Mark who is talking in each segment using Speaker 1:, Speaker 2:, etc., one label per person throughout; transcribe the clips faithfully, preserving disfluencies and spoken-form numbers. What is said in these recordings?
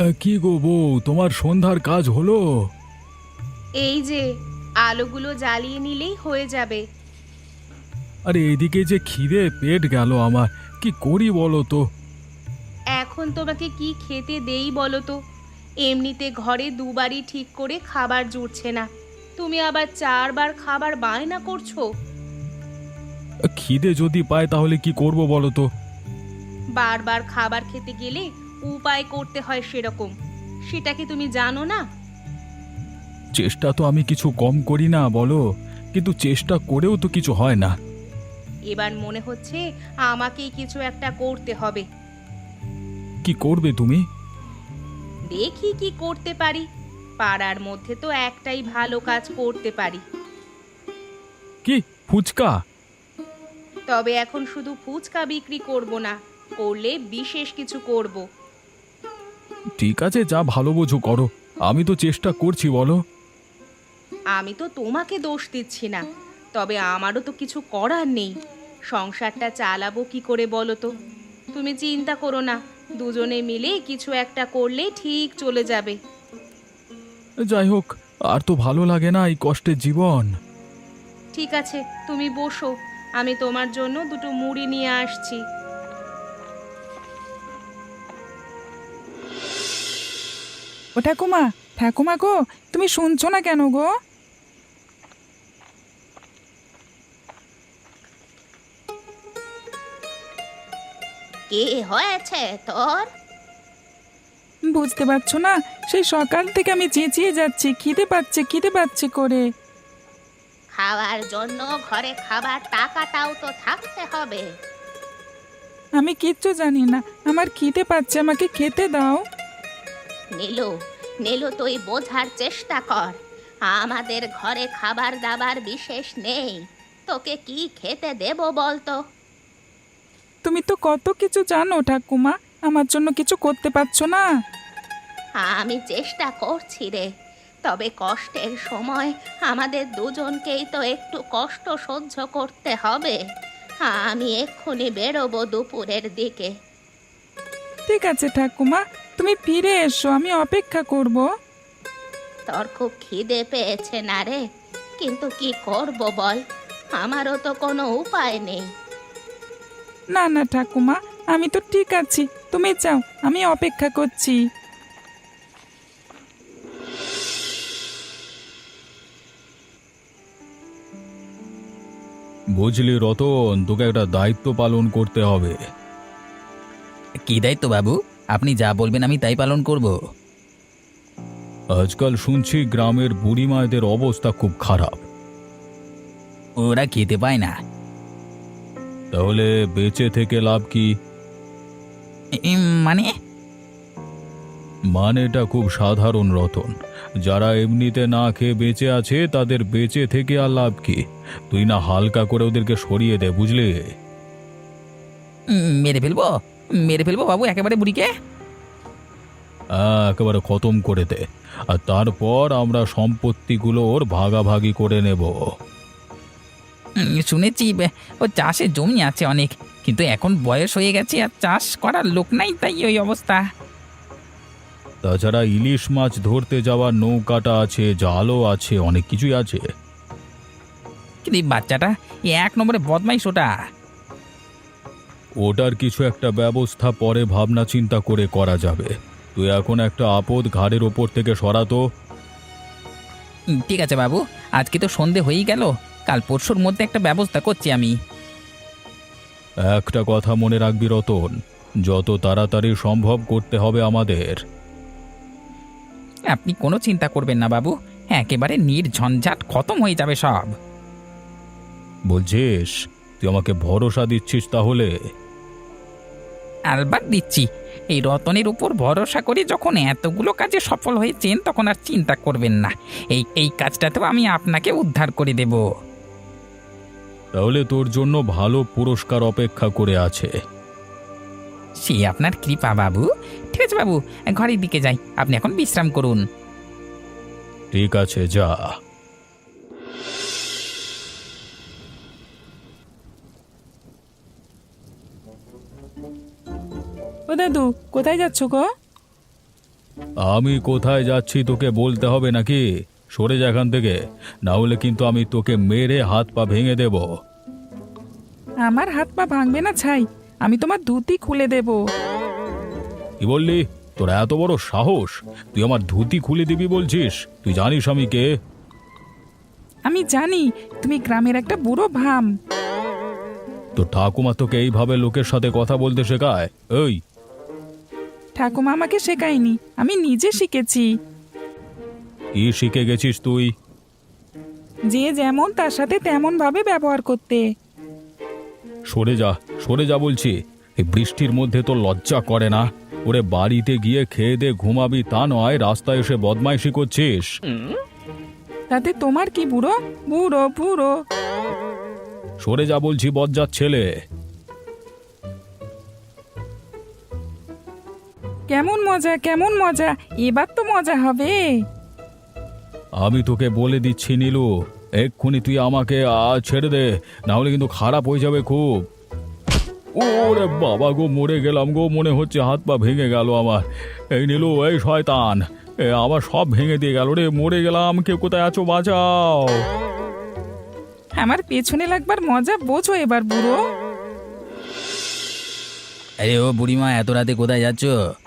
Speaker 1: আ, কি গো বউ, তোমার সন্ধ্যার কাজ হলো?
Speaker 2: এই যে আলোগুলো জ্বালিয়ে নিলেই হয়ে যাবে।
Speaker 1: আরে এদিকে যে খিদে পেট গেল আমার, কি করি বলো তো?
Speaker 2: এখন তোমাকে কি খেতে দেই বলো তো? এমনিতে ঘরে দুবারই ঠিক করে খাবার জুটছে না, তুমি আবার চারবার খাবার বায়না করছো।
Speaker 1: আ, খিদে যদি পায় তাহলে কি করব বলো তো?
Speaker 2: বারবার খাবার খেতে গেলে উপায় করতে হয় সেরকম, সেটা কি তুমি জানো না?
Speaker 1: চেষ্টা তো আমি কিছু কম করি না বলো, কিন্তু চেষ্টা করেও তো কিছু হয় না।
Speaker 2: এবার মনে হচ্ছে আমাকেই কিছু একটা করতে হবে।
Speaker 1: কি করবে তুমি?
Speaker 2: দেখি কি করতে পারি। পাড়ার মধ্যে তো একটাই ভালো কাজ করতে পারি।
Speaker 1: কি, ফুচকা?
Speaker 2: তবে এখন শুধু ফুচকা বিক্রি করব না, করলে বিশেষ কিছু করব।
Speaker 1: ঠিক আছে, যা ভালো বোঝো করো, আমি তো চেষ্টা করছি বলো।
Speaker 2: আমি তো তোমাকে দোষ দিচ্ছি না, তবে আমারও তো কিছু করার নেই। সংসারটা চালাবো কি করে বলো তো? তুমি চিন্তা করো না, দুজনে মিলে কিছু একটা করলে ঠিক চলে যাবে।
Speaker 1: যাই হোক, আর তো ভালো লাগে না এই কষ্টের জীবন।
Speaker 2: ঠিক আছে, তুমি বসো, আমি তোমার জন্য দুটো মুড়ি নিয়ে আসছি।
Speaker 3: ও ঠাকুমা, ঠাকুমা গো, তুমি শুনছো না কেন গো?
Speaker 2: কে হয়েছে তোর?
Speaker 3: বুঝতে পারছো না? সেই সকাল থেকে আমি চেঁচিয়ে যাচ্ছি, খিদে পাচ্ছে খিদে পাচ্ছে করে।
Speaker 2: খাওয়ার জন্য ঘরে খাবার টাকাটাও তো থাকতে হবে।
Speaker 3: আমি কিচ্ছু জানি না, আমার খিদে পাচ্ছে, আমাকে খেতে দাও।
Speaker 2: নীলু, নীলু তুই বোঝার চেষ্টা কর, আমাদের ঘরে খাবার দাবার বিশেষ নেই। তোকে কি খেতে দেব বলতো?
Speaker 3: তুমি তো কত কিছু জানো ঠাকুমা, আমার জন্য কিছু করতে পারছো না?
Speaker 2: আমি চেষ্টা করছি রে, তবে কষ্টের সময় আমাদের দুজনকেই তো একটু কষ্ট সহ্য করতে হবে। আমি এক্ষুনি বেরোবো দুপুরের দিকে।
Speaker 3: ঠিক আছে ঠাকুমা, তুমি ফিরে এসো, আমি অপেক্ষা করব।
Speaker 2: তোর খুব খিদে পেয়েছে না রে? কিন্তু কি করব বল, আমারও তো কোনো উপায় নেই।
Speaker 3: না না ঠাকুমা, আমি তো ঠিক আছি, তুমি যাও, আমি অপেক্ষা করছি।
Speaker 1: বুঝলি রতন, তোকে একটা দায়িত্ব পালন করতে হবে।
Speaker 4: কি দায়িত্ব বাবু? আপনি যা বলবেন আমি তাই পালন করব।
Speaker 1: আজকাল শুনছি গ্রামের বুড়ি মায়েদের অবস্থা খুব খারাপ।
Speaker 4: ওরা খেতে পায় না।
Speaker 1: তাহলে বেঁচে থেকে লাভ কি?
Speaker 4: ইম, মানে?
Speaker 1: মানেটা খুব সাধারণ রতন, যারা এমনিতে না খেয়ে বেঁচে আছে তাদের বেঁচে থেকে আর লাভ কি? তুই না হালকা করে ওদেরকে সরিয়ে দে, বুঝলি?
Speaker 4: উম, মেরে ফেলবো? মেরে ফেলবো বাবু একেবারে বুড়িকে?
Speaker 1: হ্যাঁ, একেবারে খতম করে দে, আর তারপর আমরা সম্পত্তিগুলো ওর ভাগাভাগি করে নেব।
Speaker 4: উম, শুনেছি বে- ও চাষের জমি আছে অনেক, কিন্তু এখন বয়স হয়ে গেছে আর চাষ করার লোক নাই, তাই ওই অবস্থা।
Speaker 1: তাছাড়া ইলিশ মাছ ধরতে যাওয়ার নৌকাটা আছে, জালও আছে, অনেক কিছুই আছে।
Speaker 4: কিন্তু এই বাচ্চাটা এ এক নম্বরে বদমাইশ ওটা।
Speaker 1: ওটার কিছু একটা ব্যবস্থা পরে ভাবনা চিন্তা করে করা যাবে। তুই এখন একটা আপদ ঘাড়ের ওপর থেকে সরাতো।
Speaker 4: উম, ঠিক আছে বাবু, আজকে তো সন্ধে হয়েই গেল, কাল পরশুর মধ্যে একটা ব্যবস্থা করছি আমি।
Speaker 1: একটা কথা মনে রাখবি রতন, যত তাড়াতাড়ি সম্ভব করতে হবে আমাদের।
Speaker 4: আপনি কোনো চিন্তা করবেন না বাবু, একেবারে নির্ঝঞ্ঝাট খতম হয়ে যাবে সব।
Speaker 1: বলছিস? তুই আমাকে ভরসা দিচ্ছিস তাহলে?
Speaker 4: আলবাত দিচ্ছি, এই রতনের উপর ভরসা করে যখন এতগুলো কাজে সফল হয়েছেন তখন আর চিন্তা করবেন না, এই এই কাজটাতেও আমি আপনাকে উদ্ধার করে দেব।
Speaker 1: তাহলে তোর জন্য ভালো পুরস্কার অপেক্ষা করে আছে।
Speaker 4: সে আপনার কৃপা বাবু। ঠিক আছে বাবু, ঘরের দিকে যাই, আপনি এখন বিশ্রাম করুন।
Speaker 1: ঠিক আছে, যা।
Speaker 3: ও দাদু, কোথায় যাচ্ছ গো?
Speaker 1: আমি কোথায় যাচ্ছি তোকে বলতে হবে নাকি? সরে যা এখান থেকে, না হলে কিন্তু আমি তোকে মেরে হাত পা ভেঙে দেব।
Speaker 3: আমার হাত পা ভাঙবে না ছাই, আমি তোমার ধুতি খুলে দেব।
Speaker 1: কি বললি? তোর এত বড় সাহস, তুই আমার ধুতি খুলে দিবি বলছিস? তুই জানিস আমি কে?
Speaker 3: আমি জানি তুমি গ্রামের একটা বুড়ো ভাম।
Speaker 1: তোর ঠাকুমা তোকে এইভাবে লোকের সাথে কথা বলতে শেখায়? এই,
Speaker 3: ঠাকুমা আমাকে শেখায়নি, আমি নিজে শিখেছি।
Speaker 1: কি শিখে গেছিস তুই?
Speaker 3: যে যেমন তার সাথে তেমন ভাবে ব্যবহার করতে।
Speaker 1: সরে যা, সরে যা বলছি। এই বৃষ্টির মধ্যে তো লজ্জা করে না? ওরে বাড়িতে গিয়ে খেয়ে দে ঘুমাবি, তা নয় রাস্তায় এসে বদমাইশি করছিস।
Speaker 3: তাতে তোমার কি? বুড়ো বুড়ো বুড়ো।
Speaker 1: সরে যা বলছি, বজ্জাত ছেলে।
Speaker 3: কেমন মজা কেমন মজা, এবার তো মজা হবে।
Speaker 1: আমি তোকে বলে দিচ্ছি নীলু, এক্ষুনি তুই আমাকে আজ ছেড়ে দে, না হলে কিন্তু খারাপ হয়ে যাবে খুব। ওরে বাবা গো, মরে গেলাম গো, মনে হচ্ছে হাত পা ভেঙে গেল আমার। এই নীলু, এই শয়তান, এ আমার সব ভেঙে দিয়ে গেল রে, মরে গেলাম। কেউ কোথায় আছো, বাঁচাও।
Speaker 3: আমার পেছনে লাগবার মজা বোঝো এবার বুড়ো।
Speaker 4: আরে ও বুড়িমা, এত রাতে কোথায় যাচ্ছ?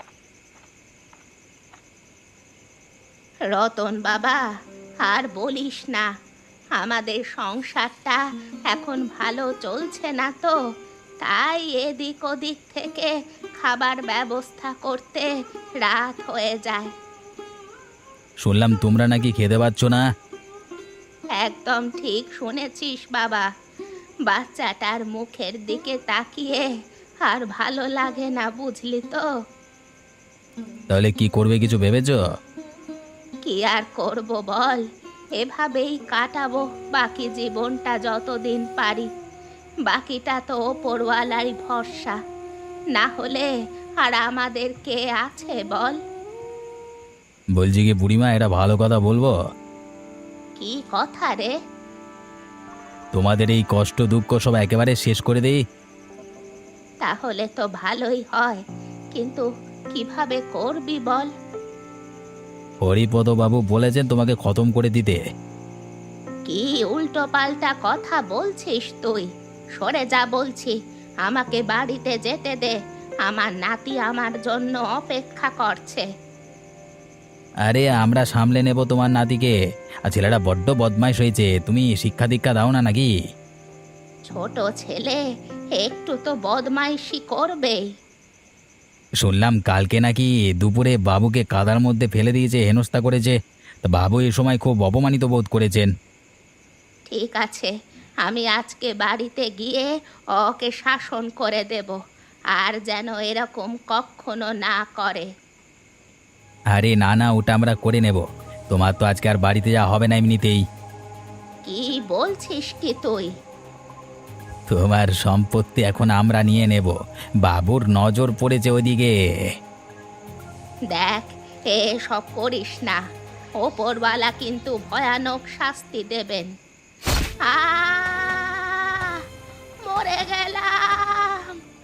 Speaker 2: রতন বাবা, আর বলিস না, আমাদের সংসারটা এখন ভালো চলছে না তো, তাই এদিক ওদিক থেকে খাবার ব্যবস্থা করতে রাত হয়ে যায়।
Speaker 4: শুনলাম তোমরা নাকি খেতে পাচ্ছ না।
Speaker 2: একদম ঠিক শুনেছিস বাবা, বাচ্চাটার মুখের দিকে তাকিয়ে আর ভালো লাগে না, বুঝলি তো।
Speaker 4: তাহলে কি করবে, কিছু ভেবেছো?
Speaker 2: কি আর করব বল, এভাবেই কাটাবো বাকি জীবনটা যতদিন পারি। বাকিটা তো ওপরওয়ালারই ভরসা, না হলে আর আমাদের কে আছে বল।
Speaker 4: বলছি কি বুড়িমা, এটা ভালো কথা বলবো?
Speaker 2: কি কথা রে?
Speaker 4: তোমাদের এই কষ্ট দুঃখ সব একেবারে শেষ করে দেই।
Speaker 2: তাহলে তো ভালোই হয়, কিন্তু কিভাবে করবি বল।
Speaker 4: হরিপদ বাবু বলেছেন তোমাকে খতম করে দিতে।
Speaker 2: কি উল্টো পাল্টা কথা বলছিস তুই? সরে যা বলছি, আমাকে বাড়িতে যেতে দে, আমার নাতি আমার জন্য অপেক্ষা করছে।
Speaker 4: আরে আমরা সামলে নেব তোমার নাতিকে। আর ছেলেটা বড্ড বদমাইশ হয়েছে, তুমি শিক্ষা দীক্ষা দাও না নাকি?
Speaker 2: ছোট ছেলে একটু তো বদমাইশি করবেই।
Speaker 4: শুনলাম কালকে নাকি দুপুরে বাবুকে কাদার মধ্যে ফেলে দিয়েছে, হেনস্থা করেছে। তা বাবু এ সময় খুব অপমানিত বোধ করেছেন।
Speaker 2: ঠিক আছে, আমি আজকে বাড়িতে গিয়ে ওকে শাসন করে দেব, আর যেন এরকম কখনো না করে।
Speaker 4: আরে না না, ওটা আমরা করে নেব। তোমার তো আজকে আর বাড়িতে যাওয়া হবে না এমনিতেই।
Speaker 2: কি বলছিস কি তুই?
Speaker 4: তোমার সম্পত্তি এখন আমরা নিয়ে নেব, বাবুর নজর পড়েছে ওদিকে।
Speaker 2: দেখ, এসব করিস না, ওপরওয়ালা কিন্তু ভয়ানক শাস্তি দেবেন। আহ, মরে গেলাম।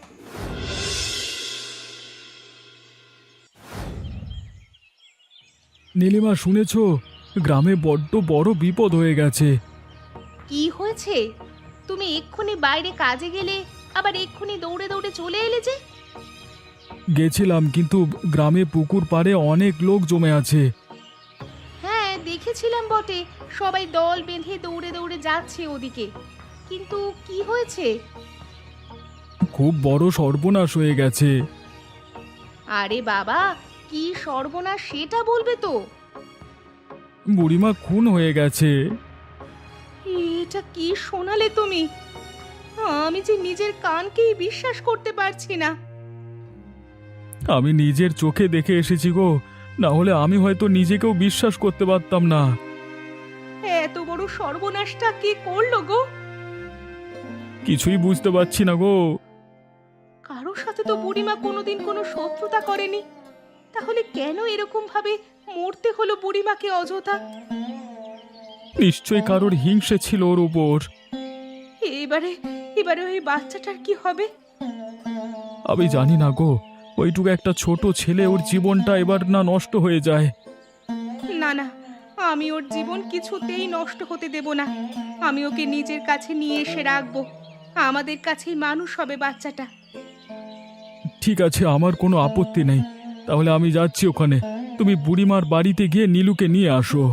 Speaker 1: নীলিমা, শুনেছ? গ্রামে বড্ড বড় বিপদ হয়ে গেছে।
Speaker 2: কি হয়েছে? তুমি এক্ষুনি বাইরে কাজে গেলে, আবার এক্ষুনি দৌড়ে দৌড়ে চলে এলে যে?
Speaker 1: গেছিলাম, কিন্তু গ্রামে পুকুর পাড়ে অনেক লোক জমে আছে।
Speaker 2: হ্যাঁ দেখেছিলাম বটে, সবাই দল বেঁধে দৌড়ে দৌড়ে যাচ্ছে ওদিকে, কিন্তু কি হয়েছে?
Speaker 1: খুব বড় সর্বনাশ হয়ে গেছে।
Speaker 2: আরে বাবা, কি সর্বনাশ সেটা বলবে তো।
Speaker 1: বুড়িমা খুন হয়ে গেছে।
Speaker 2: এটা কি শোনালে তুমি? আমি যে নিজের কানকেই বিশ্বাস করতে পারছি না।
Speaker 1: আমি নিজের চোখে দেখে এসেছি গো, না হলে আমি হয়তো নিজেকেও বিশ্বাস করতে পারতাম না।
Speaker 2: এত বড় সর্বনাশটা কে করলো গো?
Speaker 1: কিছুই বুঝতে পারছি না গো।
Speaker 2: কারোর সাথে তো বুড়িমা কোনোদিন কোনো শত্রুতা করেনি, তাহলে কেন এরকম ভাবে মরতে হলো বুড়িমাকে অযথা?
Speaker 1: নিশ্চয়ই কারোর হিংসে ছিল ওর উপর।
Speaker 2: এবারে এবারে ওই বাচ্চাটার কি হবে?
Speaker 1: আমি জানি না গো, ওইটুকু একটা ছোট ছেলে, ওর জীবনটা এবার না নষ্ট হয়ে যায়।
Speaker 2: না না, আমি ওর জীবন কিছুতেই নষ্ট হতে দেব না। আমি ওকে নিজের কাছে নিয়ে এসে রাখবো। আমাদের কাছেই মানুষ হবে বাচ্চাটা।
Speaker 1: ঠিক আছে, আমার কোনো আপত্তি নেই। তাহলে আমি যাচ্ছি ওখানে। তুমি বুড়িমার বাড়িতে গিয়ে নীলুকে নিয়ে আসো।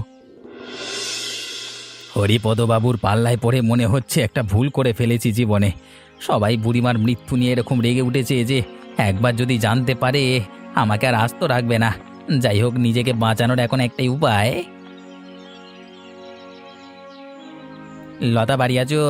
Speaker 4: হরিপদবাবুর পাল্লায় পড়ে মনে হচ্ছে একটা ভুল করে ফেলেছি জীবনে। সবাই বুড়িমার মৃত্যু নিয়ে এরকম রেগে উঠেছে যে একবার যদি জানতে পারে আমাকে আর আস্ত রাখবে না। যাই হোক, নিজেকে বাঁচানোর এখন একটাই উপায়। লতা বাড়ি আছো?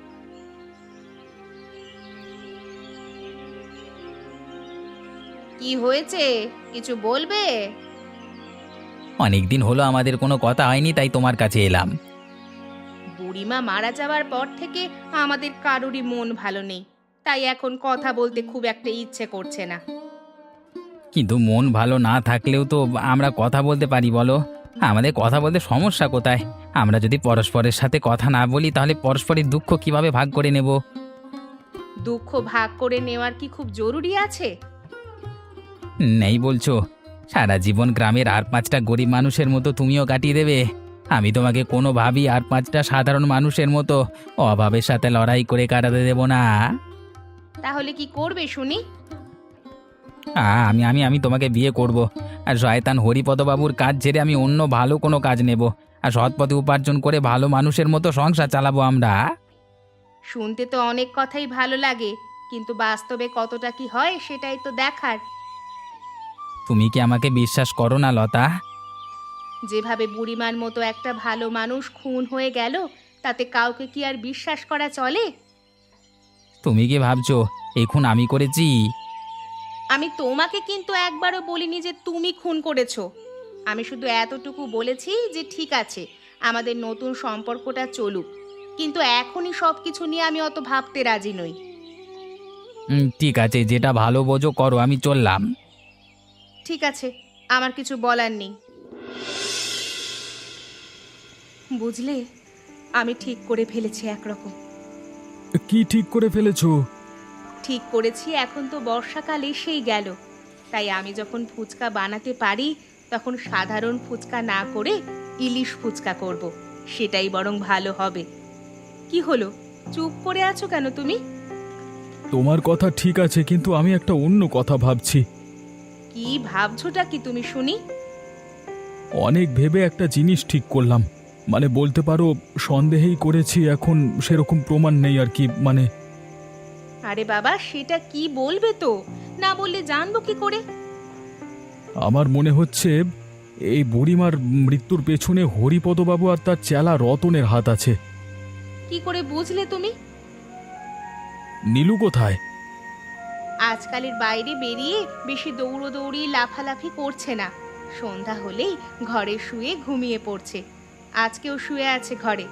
Speaker 2: কি হয়েছে, কিছু বলবে?
Speaker 4: অনেকদিন হলো আমাদের কোনো কথা হয়নি, তাই তোমার কাছে এলাম।
Speaker 2: বুড়িমা মারা যাওয়ার পর থেকে আমাদের কারোরই মন ভালো নেই, তাই এখন কথা বলতে খুব একটা ইচ্ছে করছে না।
Speaker 4: কিন্তু মন ভালো না থাকলেও তো আমরা কথা বলতে পারি, বলো? আমাদের কথা বলতে সমস্যা কোথায়? আমরা যদি পরস্পরের সাথে কথা না বলি তাহলে পরস্পরের দুঃখ কিভাবে ভাগ করে নেব?
Speaker 2: দুঃখ ভাগ করে নেওয়ার কি খুব জরুরি আছে?
Speaker 4: নেই বলছো? সারা জীবন গ্রামের আর পাঁচটা গরিব মানুষের মতো তুমিও কাটিয়ে দেবে? আমি তোমাকে কোনোভাবেই আর পাঁচটা সাধারণ মানুষের মতো অভাবের সাথে লড়াই করে কাটাতে দেব না।
Speaker 2: তাহলে কি করবে শুনি?
Speaker 4: আ, আমি আমি আমি তোমাকে বিয়ে করব, আর শয়তান হরিপদবাবুর কাজ ছেড়ে আমি অন্য ভালো কোনো কাজ নেব, আর সৎ পথে উপার্জন করে ভালো মানুষের মতো সংসার চালাবো আমরা।
Speaker 2: শুনতে তো অনেক কথাই ভালো লাগে, কিন্তু বাস্তবে কতটা কি হয় সেটাই তো দেখার।
Speaker 4: তুমি কি আমাকে বিশ্বাস করো না লতা?
Speaker 2: যেভাবে বুড়িমার মতো একটা ভালো মানুষ খুন হয়ে গেল, তাতে কাউকে কি আর বিশ্বাস করা চলে?
Speaker 4: তুমি কি ভাবছো এখন আমি করেছি?
Speaker 2: আমি তোমাকে কিন্তু একবারও বলিনি যে তুমি খুন করেছো। আমি শুধু এতটুকু বলেছি যে ঠিক আছে, আমাদের নতুন সম্পর্কটা চলুক, কিন্তু এখনই সব কিছু নিয়ে আমি অত ভাবতে রাজি নই।
Speaker 4: উম, ঠিক আছে, যেটা ভালো বোঝো করো, আমি চললাম।
Speaker 2: ঠিক আছে, আমার কিছু বলার নেই। বুঝলে, আমি ঠিক করে ফেলেছি একরকম।
Speaker 1: কি ঠিক করে ফেলেছো?
Speaker 2: ঠিক করেছি, এখন তো বর্ষাকাল এসেই গেল, তাই আমি যখন ফুচকা বানাতে পারি তখন সাধারণ ফুচকা না করে ইলিশ ফুচকা করব। সেটাই বরং ভালো হবে। কি হলো, চুপ করে আছো কেন তুমি?
Speaker 1: তোমার কথা ঠিক আছে, কিন্তু আমি একটা অন্য কথা ভাবছি।
Speaker 2: কি ভাবছোটা কি তুমি শুনি?
Speaker 1: অনেক ভেবে একটা জিনিস ঠিক করলাম। মানে বলতে পারো সন্দেহেই করেছি, এখন সেরকম প্রমাণ নেই আর কি। মানে
Speaker 2: আরে বাবা, সেটা কি বলবে তো, না বললে জানবো কি করে?
Speaker 1: আমার মনে হচ্ছে এই বুড়িমার মৃত্যুর পেছনে হরিপদবাবু আর তার চেলা রতনের হাত আছে।
Speaker 2: কি করে বুঝলে তুমি?
Speaker 1: নীলু কোথায়?
Speaker 2: আজকালের বাইরে বেরিয়ে বেশি দৌড়োদৌড়ি লাফালাফি করছে না। সন্ধ্যা হলেই ঘরে শুয়ে ঘুমিয়ে পড়ছে। আজকেও শুয়ে আছে ঘরে।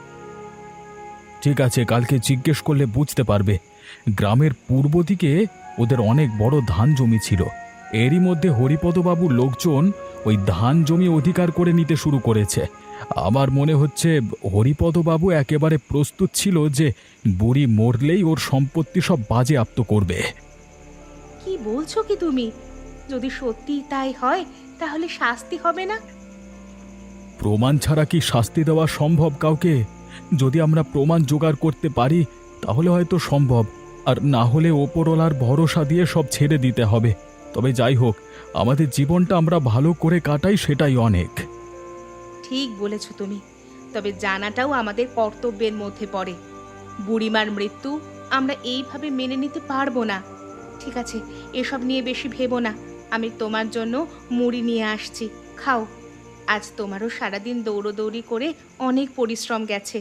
Speaker 1: ঠিক আছে, কালকে জিজ্ঞেস করলে বুঝতে পারবে। গ্রামের পূর্ব দিকে ওদের অনেক বড় ধান জমি ছিল। এরই মধ্যে হরিপদবাবুর লোকজন ওই ধান জমি অধিকার করে নিতে শুরু করেছে। আমার মনে হচ্ছে হরিপদবাবু একেবারে প্রস্তুত ছিল যে বুড়ি মরলেই ওর সম্পত্তি সব বাজেয়াপ্ত করবে।
Speaker 2: কি বলছো কি তুমি? যদি সত্যি তাই হয় তাহলে শাস্তি হবে না?
Speaker 1: প্রমাণ ছাড়া কি শাস্তি দেওয়া সম্ভব কাউকে? যদি আমরা প্রমাণ জোগাড় করতে পারি তাহলে হয়তো সম্ভব, আর না হলে ওপরওয়ালার ভরসা দিয়ে সব ছেড়ে দিতে হবে। তবে যাই হোক, আমাদের জীবনটা আমরা ভালো করে কাটাই, সেটাই অনেক।
Speaker 2: ঠিক বলেছো তুমি, তবে জানাটাও আমাদের কর্তব্যের মধ্যে পড়ে। বুড়িমার মৃত্যু আমরা এইভাবে মেনে নিতে পারবো না। ঠিক আছে, এসব নিয়ে বেশি ভেবো না। আমি তোমার জন্য মুড়ি নিয়ে আসছি, খাও। আজ তোমারও সারাদিন দৌড়োদৌড়ি করে অনেক পরিশ্রম গেছে।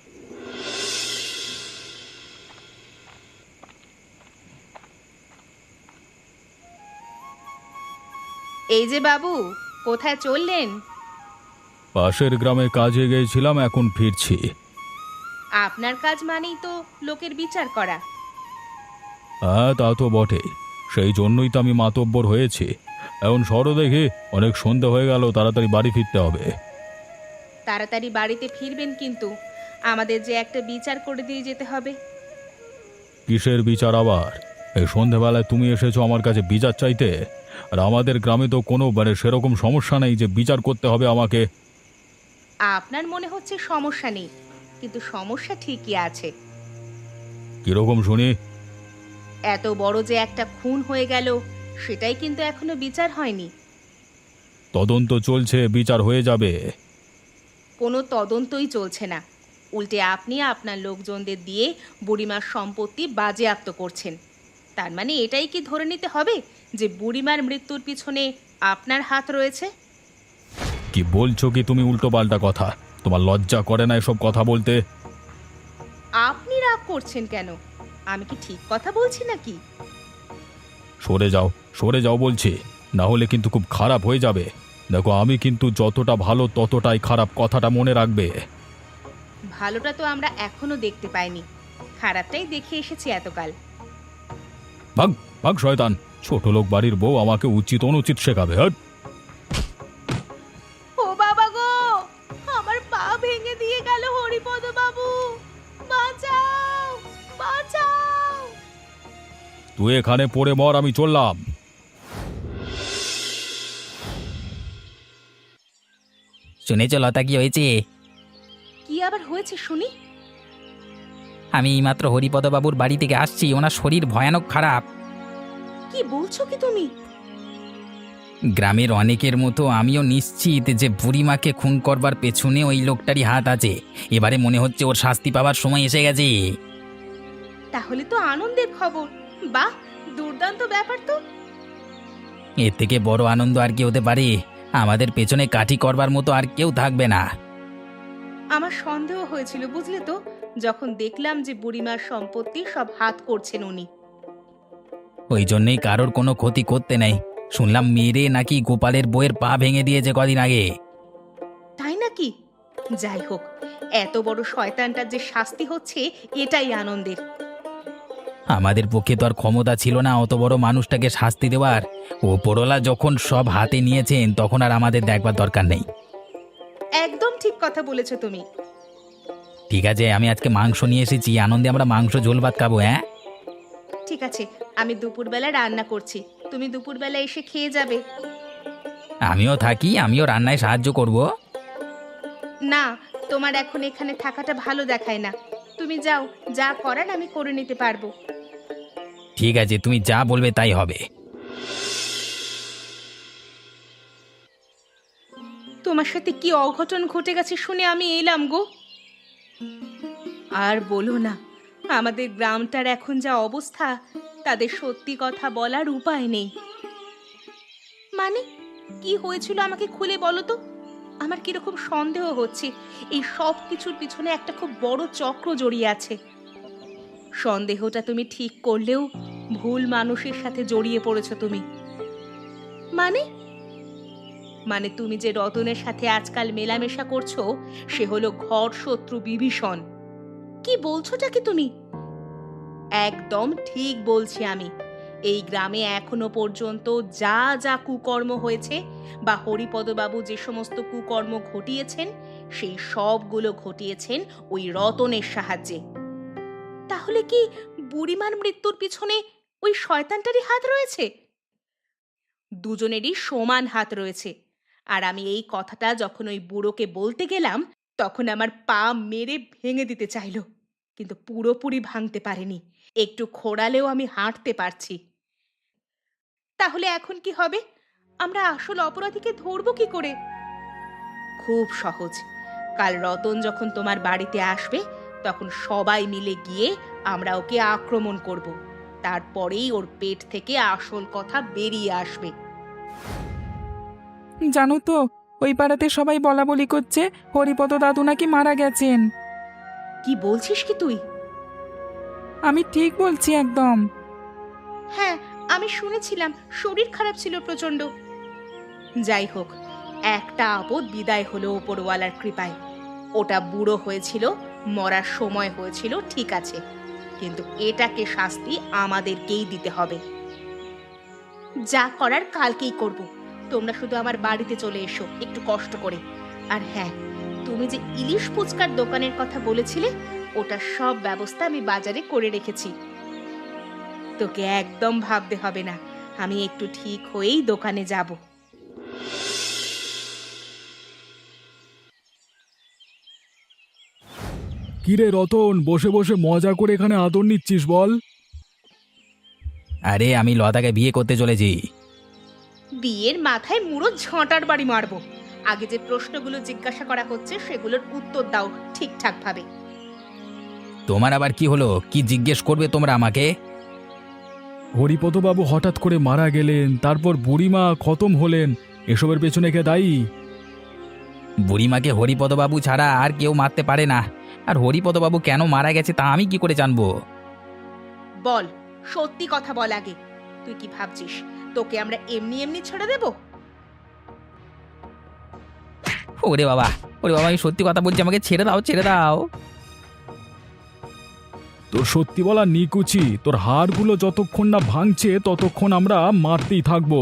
Speaker 2: এই যে বাবু, কোথায় চললেন?
Speaker 1: পাশের গ্রামে কাজে গিয়েছিলাম, এখন ফিরছি।
Speaker 2: আপনার কাজ মানেই তো লোকের বিচার করা।
Speaker 1: হ্যাঁ, তা তো বটেই। সেই জন্যই তো আমি মাতব্বর হয়েছি। এখন সরো দেখি, অনেক সন্ধ্যা হয়ে গেল, তাড়াতাড়ি বাড়ি ফিরতে হবে।
Speaker 2: তাড়াতাড়ি বাড়িতে ফিরবেন, কিন্তু আমাদের যে একটা বিচার করে দিয়ে যেতে হবে।
Speaker 1: কিসের বিচার আবার? এই সন্ধেবেলায় তুমি এসেছো আমার কাছে বিচার চাইতে? আর আমাদের গ্রামে তো কোনো মানে সেরকম সমস্যা নেই যে বিচার করতে হবে আমাকে।
Speaker 2: আপনার মনে হচ্ছে সমস্যা নেই, কিন্তু সমস্যা ঠিকই আছে।
Speaker 1: কিরকম শুনি?
Speaker 2: এত বড় যে একটা খুন হয়ে গেল, সেটাই কিন্তু এখনো বিচার হয়নি।
Speaker 1: তদন্ত চলছে, বিচার হয়ে যাবে।
Speaker 2: কোনো তদন্তই চলছে না, উল্টে আপনি আপনার লোকজনদের দিয়ে বুড়িমার সম্পত্তি বাজেয়াপ্ত করছেন। তার মানে এটাই কি ধরে নিতে হবে যে বুড়িমার মৃত্যুর পিছনে আপনার হাত রয়েছে?
Speaker 1: কি বলছো কি তুমি উল্টো পাল্টা কথা? তোমার লজ্জা করে না এসব কথা বলতে?
Speaker 2: আপনি রাগ করছেন কেন? আমি কি ঠিক কথা বলছি নাকি?
Speaker 1: সরে যাও, সরে যাও বলছি, না হলে কিন্তু খুব খারাপ হয়ে যাবে। দেখো আমি কিন্তু যতটা ভালো ততটাই খারাপ, কথাটা মনে রাখবে।
Speaker 2: ভালোটা তো আমরা এখনো দেখতে পাইনি, খারাপটাই দেখে এসেছি এতকাল।
Speaker 1: ভাগ ভাগ শয়তান, ছোট লোক বাড়ির বউ আমাকে উচিত অনুচিত শেখাবে। হ্যাঁ,
Speaker 2: ও বাবা গো, আমার পা ভেঙে দিয়ে গেল হরিপদ বাবু, বাঁচাও বাঁচাও।
Speaker 1: তুই এখানে পড়ে মর, আমি চললাম।
Speaker 4: শুনেছ লতা, কি হয়েছে?
Speaker 2: কি আবার হয়েছে শুনি?
Speaker 4: আমি এইমাত্র হরিপদবাবুর বাড়ি থেকে আসছি, ওনার শরীর ভয়ানক খারাপ।
Speaker 2: কি বলছো কি তুমি?
Speaker 4: গ্রামের অনেকের মতো আমিও নিশ্চিত যে বুড়িমাকে খুন করবার পেছনে ওই লোকটারই হাত আছে। এবারে মনে হচ্ছে ওর শাস্তি পাওয়ার সময় এসে গেছে।
Speaker 2: তাহলে তো আনন্দের খবর। বাহ, দুর্দান্ত ব্যাপার তো।
Speaker 4: এর থেকে বড় আনন্দ আর কি হতে পারে? আমাদের পেছনে কাঠি করবার মতো আর কেউ থাকবে না।
Speaker 2: আমার সন্দেহ হয়েছিল বুঝলে তো, যখন দেখলাম যে বুড়িমার সম্পত্তি সব হাত করছেন উনি।
Speaker 4: ওই জন্যই কারোর কোনো ক্ষতি করতে নেই। শুনলাম মেরে নাকি গোপালের বইয়ের পা ভেঙে দিয়েছে কদিন আগে।
Speaker 2: তাই নাকি? যাই হোক, এত বড় শয়তানটার যে শাস্তি হচ্ছে এটাই আনন্দের।
Speaker 4: আমাদের পক্ষে তো আর ক্ষমতা ছিল না অত বড় মানুষটাকে শাস্তি দেওয়ার। ওপরওয়ালা যখন সব হাতে নিয়েছেন তখন আর আমাদের দেখবার দরকার নেই।
Speaker 2: একদম ঠিক কথা বলেছো তুমি।
Speaker 4: ঠিক আছে, আমি আজকে মাংস নিয়ে এসেছি, আনন্দে আমরা মাংস ঝোল ভাত খাবো। হ্যাঁ
Speaker 2: ঠিক আছে, আমি দুপুরবেলা রান্না করছি, তুমি দুপুরবেলা এসে খেয়ে যাবে।
Speaker 4: আমিও থাকি, আমিও রান্নায় সাহায্য করব।
Speaker 2: না, তোমার এখন এখানে থাকাটা ভালো দেখায় না। তুমি যাও, যা করার আমি করে নিতে পারবো।
Speaker 4: ঠিক আছে, তুমি যা বলবে তাই হবে।
Speaker 2: তোমার সাথে কি অঘটন ঘটে গেছে শুনে আমি এলাম গো। আর বলো না, আমাদের গ্রামটার এখন যা অবস্থা, তাদের সত্যি কথা বলার উপায় নেই। মানে কি হয়েছিল আমাকে খুলে বলো তো। আমার কিরকম সন্দেহ হচ্ছে এই সব কিছুর পিছনে একটা খুব বড় চক্র জড়িয়ে আছে। সন্দেহটা তুমি ঠিক করলেও ভুল মানুষের সাথে জড়িয়ে পড়েছো তুমি। মানে মানে তুমি যে রতনের সাথে আজকাল মেলামেশা করছো, সে হলো ঘর শত্রু বিভীষণ। কি বলছোটা কি তুমি? একদম ঠিক বলছি আমি। এই গ্রামে এখনো পর্যন্ত যা যা কুকর্ম হয়েছে বা হরিপদবাবু যে সমস্ত কুকর্ম ঘটিয়েছেন, সেই সবগুলো ঘটিয়েছেন ওই রতনের সাহায্যে। তাহলে কি বুড়িমার মৃত্যুর পিছনে ওই শয়তানটারই হাত রয়েছে? দুজনেরই সমান হাত রয়েছে। আর আমি এই কথাটা যখন ওই বুড়োকে বলতে গেলাম, তখন আমার পা মেরে ভেঙে দিতে চাইল, কিন্তু পুরোপুরি ভাঙতে পারেনি। একটু খোঁড়ালেও আমি হাঁটতে পারছি। তাহলে এখন কি হবে? আমরা আসল অপরাধীকে ধরবো কি করে? খুব সহজ। কাল রতন যখন তোমার বাড়িতে আসবে, তখন সবাই মিলে গিয়ে আমরা ওকে আক্রমণ করব। তারপরেই ওর পেট থেকে আসল কথা বেরিয়ে আসবে।
Speaker 3: জানো তো, ওই পাড়াতে সবাই বলা বলি করছে হরিপদ দাদু নাকি মারা গেছেন।
Speaker 2: কি বলছিস কি তুই?
Speaker 3: আমি ঠিক বলছি একদম।
Speaker 2: হ্যাঁ, আমি শুনেছিলাম শরীর খারাপ ছিল প্রচন্ড। যাই হোক, একটা আপদ বিদায় হলো ওপরওয়ালার কৃপায়। ওটা বুড়ো হয়েছিল, মরার সময় হয়েছিল, ঠিক আছে, কিন্তু এটাকে শাস্তি আমাদেরকেই দিতে হবে। যা করার কালকেই করব। তোমরা শুধু আমার বাড়িতে চলে এসো একটু কষ্ট করে। আর হ্যাঁ, তুমি যে ইলিশ ফুচকার দোকানের কথা বলেছিলে, ওটার সব ব্যবস্থা আমি বাজারে করে রেখেছি। তোকে একদম ভাবতে হবে না, আমি একটু ঠিক হয়েই দোকানে যাব।
Speaker 1: কিরে রতন, বসে বসে মজা করে এখানে আদর নিচ্ছিস বল?
Speaker 4: আরে আমি লতাকে বিয়ে করতে চলেছি।
Speaker 2: বিয়ের মাথায় মুড়ো ঝাঁটার বাড়ি মারবো। আগে যে প্রশ্নগুলো জিজ্ঞাসা করা হচ্ছে সেগুলোর উত্তর দাও ঠিকঠাক ভাবে।
Speaker 4: তোমার আবার কি হলো? কি জিজ্ঞেস করবে তোমরা আমাকে?
Speaker 1: হরিপদবাবু হঠাৎ করে মারা গেলেন, তারপর বুড়িমা খতম হলেন, এসবের পেছনে কে দায়ী?
Speaker 4: বুড়িমাকে হরিপদবাবু ছাড়া আর কেউ মারতে পারে না। আর হরিপদবাবু কেন মারা গেছে তা আমি কি করে জানবো?
Speaker 2: বল, সত্যি কথা বল আগে। তুই কি ভাবছিস তোকে আমরা এমনি এমনি ছেড়ে দেব?
Speaker 4: ওরে বাবা, ওরে বাবা, আমি সত্যি কথা বলছি, আমাকে ছেড়ে দাও, ছেড়ে দাও।
Speaker 1: তোর সত্যি বলা নিকুচি, তোর হাড়গুলো যতক্ষণ না ভাঙছে ততক্ষণ আমরা মারতেই থাকবো।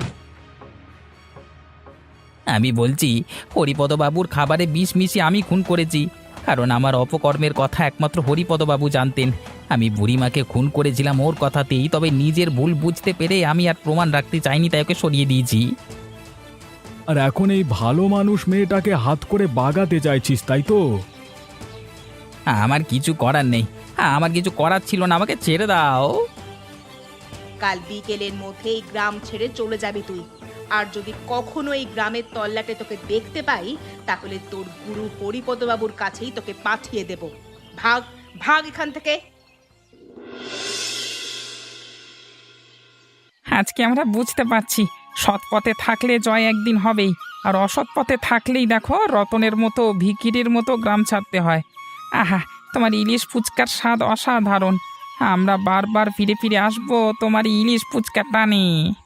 Speaker 4: আমি বলছি হরিপদবাবুর খাবারে বিষ মিশিয়ে আমি খুন করেছি, কারণ আমার অপকর্মের কথা একমাত্র হরিপদবাবু জানতেন। আমি বুড়িমাকে খুন করেছিলাম ওর কথাতেই, তবে নিজের ভুল বুঝতে পেরে আমি আর প্রমাণ রাখতে চাইনি, তাই ওকে সরিয়ে দিয়েছি।
Speaker 1: আর এখন এই ভালো মানুষ মেয়েটাকে হাত করে বাগাতে চাইছিস, তাই তো?
Speaker 4: আমার কিছু করার নেই, আমার কিছু করার ছিল না, আমাকে ছেড়ে দাও।
Speaker 2: কাল বিকেলের মধ্যে এই গ্রাম ছেড়ে চলে যাবি তুই। আর যদি কখনো এই গ্রামের তল্লাটে তোকে দেখতে পাই, তাহলে তোর গুরু হরিপদবাবুর কাছেই তোকে পাঠিয়ে দেব। ভাগ ভাগ এখান থেকে।
Speaker 3: আজকে আমরা বুঝতে পারছি সৎ পথে থাকলে জয় একদিন হবেই, আর অসৎ পথে থাকলেই দেখো রতনের মতো ভিখিরির মতো গ্রাম ছাড়তে হয়। আহা, তোমার ইলিশ ফুচকার স্বাদ অসাধারণ। আমরা বারবার ফিরে ফিরে আসবো তোমার ইলিশ ফুচকা টানে।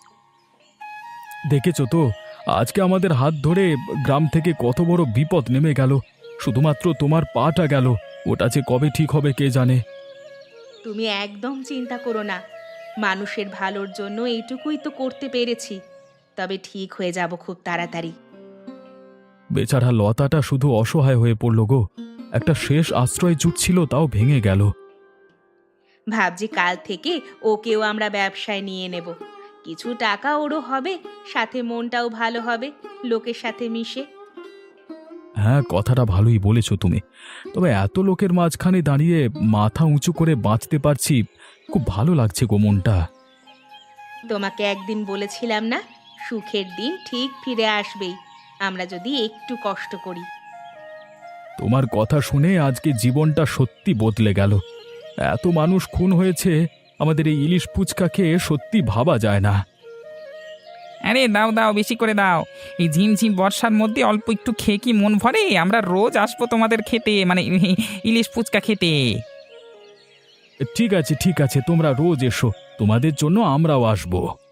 Speaker 1: দেখেছো তো, আজকে আমাদের হাত ধরে গ্রাম থেকে কত বড় বিপদ নেমে গেল। শুধুমাত্র তোমার পাটা গেল, ওটা যে কবে ঠিক হবে কে জানে।
Speaker 2: তুমি একদম চিন্তা করো না, মানুষের ভালোর জন্য এইটুকুই তো করতে পেরেছি। তবে ঠিক হয়ে যাব খুব তাড়াতাড়ি।
Speaker 1: বেচারা লতাটা শুধু অসহায় হয়ে পড়ল গো। একটা শেষ আশ্রয় জুটছিল, তাও ভেঙে গেল।
Speaker 2: ভাবছি কাল থেকে ওকেও আমরা ব্যবসায় নিয়ে নেব। কিছু টাকা ওরও হবে, সাথে মনটাও ভালো হবে লোকের সাথে মিশে।
Speaker 1: হ্যাঁ, কথাটা ভালোই বলেছো তুমি। তবে এত লোকের মাঝখানে দাঁড়িয়ে মাথা উঁচু করে বাঁচতে পারছি, খুব ভালো লাগছে গো মনটা।
Speaker 2: তোমাকে একদিন বলেছিলাম না, সুখের দিন ঠিক ফিরে আসবেই, আমরা যদি একটু কষ্ট করি।
Speaker 1: তোমার কথা শুনে আজকে জীবনটা সত্যি বদলে গেল। এত মানুষ খুন হয়েছে, আমাদের এই ইলিশ ফুচকা খেয়ে সত্যি ভাবা যায় না।
Speaker 3: আরে দাও দাও, বেশি করে দাও। এই ঝিমঝিম বর্ষার মধ্যে অল্প একটু খেয়ে কি মন ভরে? আমরা রোজ আসবো তোমাদের খেতে, মানে ইলিশ ফুচকা খেতে।
Speaker 1: ঠিক আছে ঠিক আছে, তোমরা রোজ এসো, তোমাদের জন্য আমরাও আসবো।